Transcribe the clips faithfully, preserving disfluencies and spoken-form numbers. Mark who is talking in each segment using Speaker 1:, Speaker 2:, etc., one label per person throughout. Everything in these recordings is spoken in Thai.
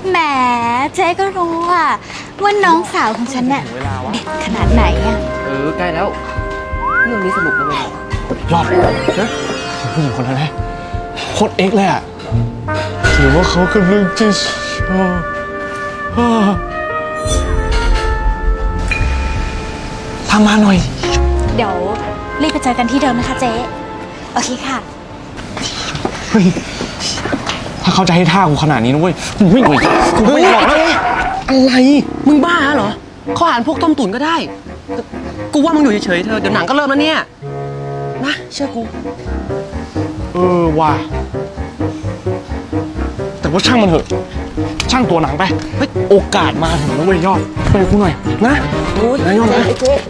Speaker 1: แหมเจ๊ก็รู้ว่าว่าน้องสาวของฉันเนี่ยเด็ดขนาดไหนอะ
Speaker 2: เออใกล้แล้วเรื่องนี้สนุกนะเว้ย
Speaker 3: ยอดนะผู้หญิงคนนั้นนะโคตรเอ็กเลยอะหรือว่าเขากำลังจะชอบทำมาหน่อย
Speaker 1: เดี๋ยวรีบไปเจอกันที่เดิมนะคะเจ๊โอเคค่ะ
Speaker 3: เฮ้ยถ้าเขาจะให้ท่ากูขนาดนี้นะเว้ยกูไม่ไหวกูไม่ไหวแล้วอะไร
Speaker 2: มึงบ้าเหรอข้อหารพวกต้มตุ๋นก็ได้กูว่ามึงอยู่เฉยๆเธอเดี๋ยวหนังก็เริ่มแล้วเนี่ยนะเชื่อกู
Speaker 3: เออว่ะแต่ว่าช่างมันเถอะช่างตัวหนังไปโอกาสมาถึงแล้วเว้ยยอดไปกูหน่อยนะนะยอดนะ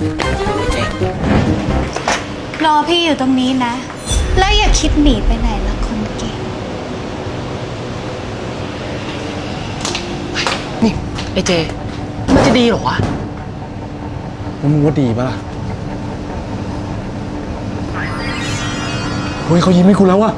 Speaker 1: รอพี่อยู่ตรงนี้นะแล้วอย่าคิดหนีไปไหนละคนเก่ง
Speaker 2: นี่ไอ้เจมันจะดีเหรอวะ
Speaker 3: แล้วมึงว่าดีปะล่ะเฮ้ยเขายิ้มให้กูแล้วอะ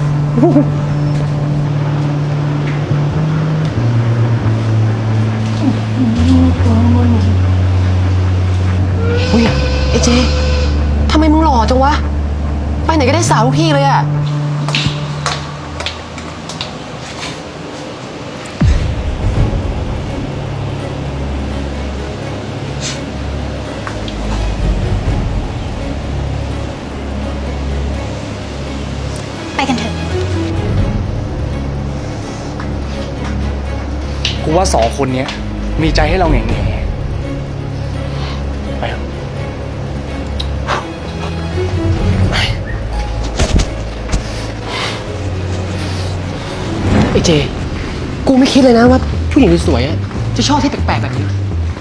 Speaker 2: เฮ้ยไอ้เจทำไมมึงหล่อจังวะไปไหนก็ได้สาวทุกที่เลยอะ
Speaker 1: ไปกันเถอะ
Speaker 3: กูว่าสองคนนี้มีใจให้เราแง่ๆไปเถอะ
Speaker 2: ไอ้เจกูไม่คิดเลยนะว่าผู้หญิงสวยๆจะชอบที่แปลกๆแบบนี้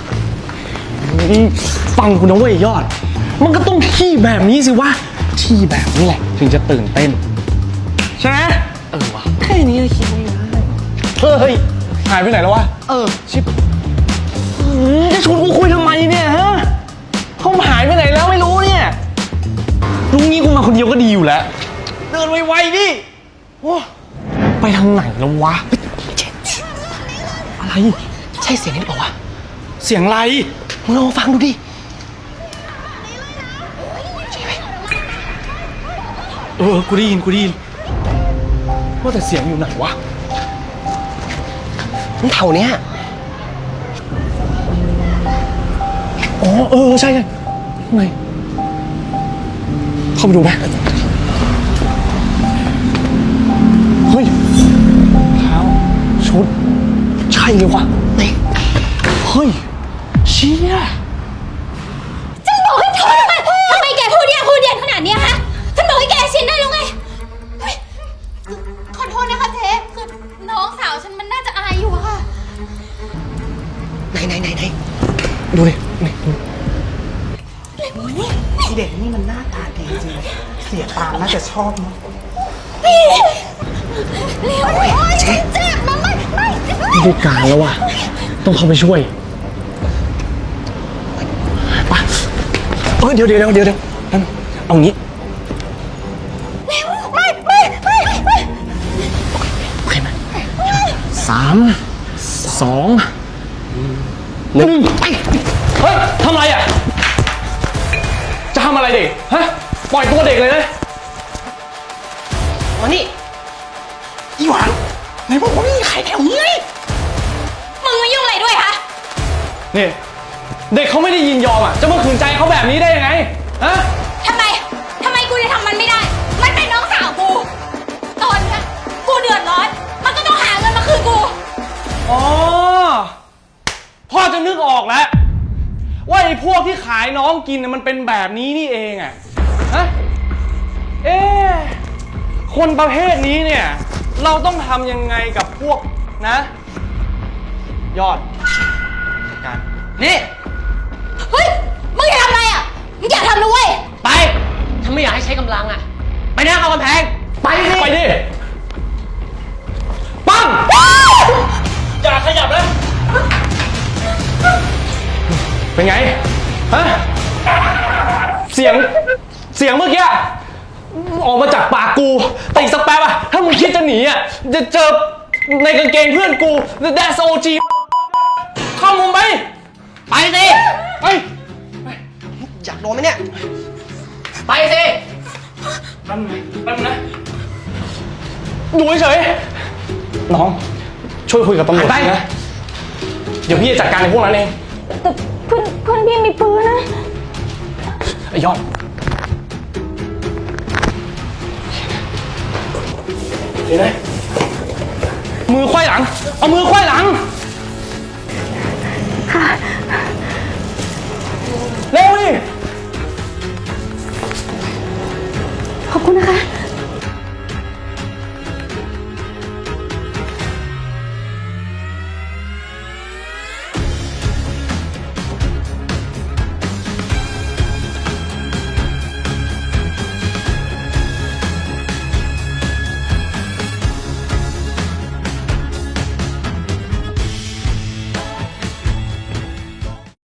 Speaker 3: ฟังกูนะเว้ยยอดมันก็ต้องที่แบบนี้สิวะที่แบบนี้แหละถึงจะตื่นเต้นใช่ไหม
Speaker 2: เออวะแค่นี้เลยคิดไม่ได้
Speaker 3: เฮ้ยหายไปไหนแล้ววะ
Speaker 2: เออ
Speaker 3: ชิบจะชวนกูคุยทำไมเนี่ยฮะเขาหายไปไหนแล้วไม่รู้เนี่ยลุงนี้กูมาคนเดียวก็ดีอยู่แล้วเดินไวๆดิโอ้ไปทางไหนแล้ววะอะไร
Speaker 2: ใช่เสียงนี้หรือเปล่าวะ
Speaker 3: เสียงอะไร
Speaker 2: มึงลองฟังดูดิ
Speaker 3: เออกูได้ยินกูได้ยินว่าแต่เสียงอยู่ไหนวะ
Speaker 2: มันแถวเนี้ย
Speaker 3: อ๋อเออใช่ใช่ไงเข้าไปดูไหมเฮ้ยเท้าชุดใช่เลยวะ
Speaker 2: ไหน
Speaker 3: เฮ้ยเชี่ย
Speaker 1: ฉันบอกให้เธอทำไมทำไมแกพูดเย็นพูดเย็นขนาดนี้ฮะฉันบอกให้แกชินได้แล้วไงขอโทษนะคะเจ๊คือน้องสาวฉันมันน่าจะอายอยู่อะค่ะ
Speaker 2: ไหนไหนไหนไหน
Speaker 3: ดูดินี่ดู
Speaker 4: เด็กนี่มันหน้าตาดีจริงเสียตาน่าจะชอบมั้ง
Speaker 1: พี่เร็วเจ๊เจ็บนะไม่ไม่
Speaker 3: ไม่ได้การแล้วว่ะต้องเข้าไปช่วยไปเออเดี๋ยวเดี๋ยวเดี๋ยวเดี๋ยวเอางี้
Speaker 1: ไม่ไม่ไม่ไม่ไม่
Speaker 3: โอเคไหมสามสองหนึ่งเฮ้ยทำไรอ่ะจะทำอะไรเด็กฮะปล่อยตัวเด็กเลยนะ
Speaker 2: มานี่
Speaker 4: อีหวานไหนบอกว่าไม่มีใครแถวนี้
Speaker 1: มึงมายุ่งอะไรด้วยคะ
Speaker 3: นี่เด็กเขาไม่ได้ยินยอมอ่ะจะมาขืนใจเขาแบบนี้ได้ยังไงฮะ
Speaker 1: ทำไมทำไมกูจะทำมันไม่ได้มันเป็นน้องสาวกูตอนนี้กูเดือดร้อนมันก็ต้องหาเงินมาคืนกู
Speaker 3: อ๋อพ่อจะนึกออกแล้วว่าไอ้พวกที่ขายน้องกินน่ะมันเป็นแบบนี้นี่เองอ่ะฮะเอ๊ะคนประเภทนี้เนี่ยเราต้องทำยังไงกับพวกนะยอดการ
Speaker 2: นี่
Speaker 1: เฮ้ยมึงอย่าทำอะไรอ่ะมึงอย่าทำนะเว้ย
Speaker 2: ไปถ้าไม่อยากให้ใช้กำลังอ่ะไปนั่งเอากำแพงไปดิ
Speaker 3: ไปดิปั้งอย่าขยับนะเป็นไงฮะเสียงเสียงเมื่อกี้ออกมาจากปากกูแต่อีกสักแป๊บอะถ้ามึงคิดจะหนีอะจะเจอในกางเกงเพื่อนกูแดสโอจีเข้ามุมไป
Speaker 2: ไปสิ
Speaker 3: ไป
Speaker 2: อยากโดนไหมเนี่ย ไปสิ
Speaker 3: แป๊บนึงแป๊บนึงนะอยู่เฉยๆน้อง ช่วยคุยกับตำรวจ
Speaker 2: ไป
Speaker 3: นะ เดี๋ยวพี่จะจัดการในพวกนั้นเอง
Speaker 1: แต่เพื่อนเพื่อนพี่มีปืนนะ
Speaker 3: ไอ้ยอดเห็นไหมมือไขว้หลัง เอามือไขว้